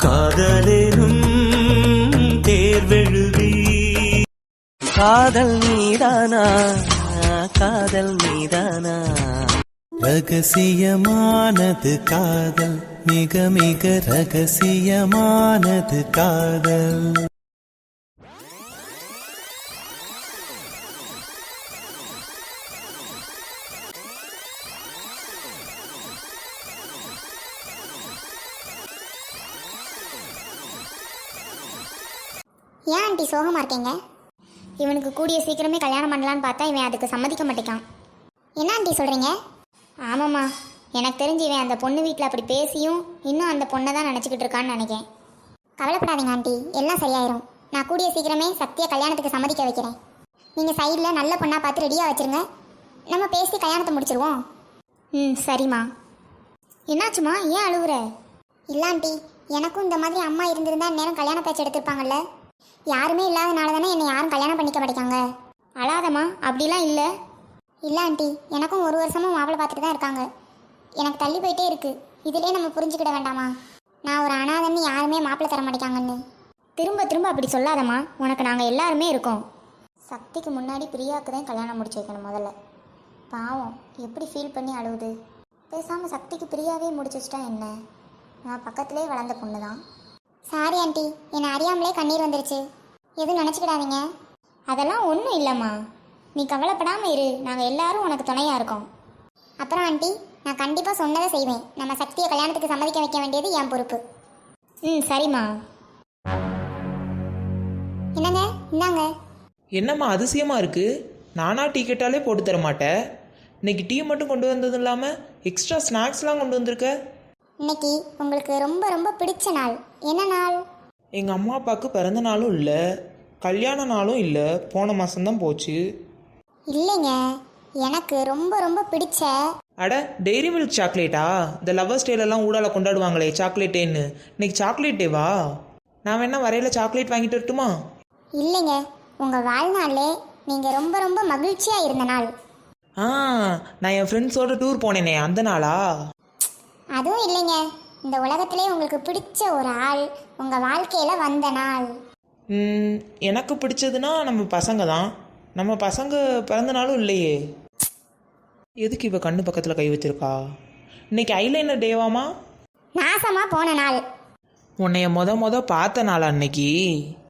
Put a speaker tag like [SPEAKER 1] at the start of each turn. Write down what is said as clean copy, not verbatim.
[SPEAKER 1] காதலேனும் தேர்வெழுதி காதல் மீதானா காதல் மீதானா ரகசியமானது காதல் மிக மிக ரகசியமானது காதல்.
[SPEAKER 2] ஏன் ஆண்டி சோகமாக இருக்கீங்க? இவனுக்கு கூடிய சீக்கிரமே கல்யாணம் பண்ணலான்னு பார்த்தா இவன் அதுக்கு சம்மதிக்க மாட்டேக்கான். என்ன ஆண்டி சொல்கிறீங்க? ஆமாம்மா, எனக்கு தெரிஞ்சு இவன் அந்த பொண்ணு வீட்டில் அப்படி பேசியும் இன்னும் அந்த பொண்ணை தான் நினச்சிக்கிட்டு இருக்கான்னு நினைக்கிறேன். கவலைப்படாதீங்க ஆண்டி, எல்லாம் சரியாயிரும். நான் கூடிய சீக்கிரமே சக்தியை கல்யாணத்துக்கு சம்மதிக்க வைக்கிறேன். நீங்கள் சைடில் நல்ல பொண்ணாக பார்த்து ரெடியாக வச்சுருங்க, நம்ம பேசி கல்யாணத்தை முடிச்சிருவோம். சரிம்மா. என்னாச்சுமா, ஏன் அழுகுற? இல்லை ஆண்டி, எனக்கும் இந்த மாதிரி அம்மா இருந்திருந்தா நேரம் கல்யாண பேச்சு எடுத்திருப்பாங்கல்ல. யாருமே இல்லாதனால தானே என்னை யாரும் கல்யாணம் பண்ணிக்க மாட்டேங்காங்க. அழாதம்மா, அப்படிலாம் இல்லை. இல்லை ஆண்டி, எனக்கும் ஒரு வருஷமும் மாப்பிள்ளை பார்த்துட்டு தான் இருக்காங்க. எனக்கு தள்ளி போயிட்டே இருக்குது. இதிலே நம்ம புரிஞ்சுக்கிட வேண்டாமா? நான் ஒரு அனாதன்னு யாருமே மாப்பிள்ளை தர மாட்டேங்காங்கன்னு. திரும்ப திரும்ப அப்படி சொல்லாதம்மா, உனக்கு நாங்கள் எல்லாருமே இருக்கோம். சக்திக்கு முன்னாடி பிரியாவுக்கு தான் கல்யாணம் முடிச்சு வைக்கணும் முதல்ல. பாவம் எப்படி ஃபீல் பண்ணி அழுவுது. பேசாமல் சக்திக்கு பிரியாவே முடிச்சு வச்சிட்டா என்ன? நான் பக்கத்துலேயே வளர்ந்த பொண்ணு தான். சாரி ஆண்டி, என்னை அறியாமலே கண்ணீர் வந்துருச்சு. எதுவும் நினச்சிக்கிடாதீங்க. அதெல்லாம் ஒன்றும் இல்லைம்மா, நீ கவலைப்படாமல் இரு, நாங்கள் எல்லாரும் உனக்கு துணையாக இருக்கோம். அப்புறம் ஆண்டி, நான் கண்டிப்பாக சொன்னதை செய்வேன். நம்ம சக்தியை கல்யாணத்துக்கு சம்மதிக்க வைக்க வேண்டியது என் பொறுப்பு. சரிம்மா. என்னங்க, இந்தாங்க.
[SPEAKER 3] என்னம்மா அதிசயமாக இருக்குது? நானாக டீ கேட்டாலே போட்டு தர மாட்டேன். இன்னைக்கு டீ மட்டும் கொண்டு வந்ததும் இல்லாமல் எக்ஸ்ட்ரா ஸ்நாக்ஸ்லாம் கொண்டு வந்திருக்க.
[SPEAKER 2] இன்னைக்கு உங்களுக்கு ரொம்ப ரொம்ப பிடிச்ச நாள். என்ன நாள்?
[SPEAKER 3] எங்கள் அம்மா அப்பாவுக்கு பிறந்த நாளும் இல்லை, கல்யாண நாளும் இல்லை, போன மாதம்தான் போச்சு.
[SPEAKER 2] இல்லைங்க, எனக்கு ரொம்ப ரொம்ப பிடிச்ச.
[SPEAKER 3] அட, டெய்ரி மில்க் சாக்லேட்டா? இந்த லவ்வர்ஸ் டேலெல்லாம் ஊடால கொண்டாடுவாங்களே சாக்லேட்டேன்னு, இன்னைக்கு சாக்லேட் டேவா? நான் வேணா வரையில் சாக்லேட் வாங்கிட்டு வரட்டுமா?
[SPEAKER 2] இல்லைங்க, உங்கள் வாழ்நாளே நீங்கள் ரொம்ப ரொம்ப மகிழ்ச்சியாக இருந்த நாள்.
[SPEAKER 3] நான் என் ஃப்ரெண்ட்ஸோட டூர் போனேனே அந்த நாளா?
[SPEAKER 2] அதுவும் இல்லைங்க, இந்த உலகத்திலே உங்களுக்கு பிடிச்ச ஒரு ஆள் உங்கள் வாழ்க்கையில் வந்த நாள்.
[SPEAKER 3] எனக்கு பிடிச்சதுன்னா நம்ம பசங்க தான். நம்ம பசங்க பிறந்த நாளும் இல்லையே. எதுக்கு இவ கண்ணு பக்கத்தில் கை வச்சிருக்கா? இன்னைக்கு ஐலைனர் டேவாமா?
[SPEAKER 2] நாசமாக போன நாள்.
[SPEAKER 3] உன்னைய மொத பார்த்த நாளா அன்னைக்கு?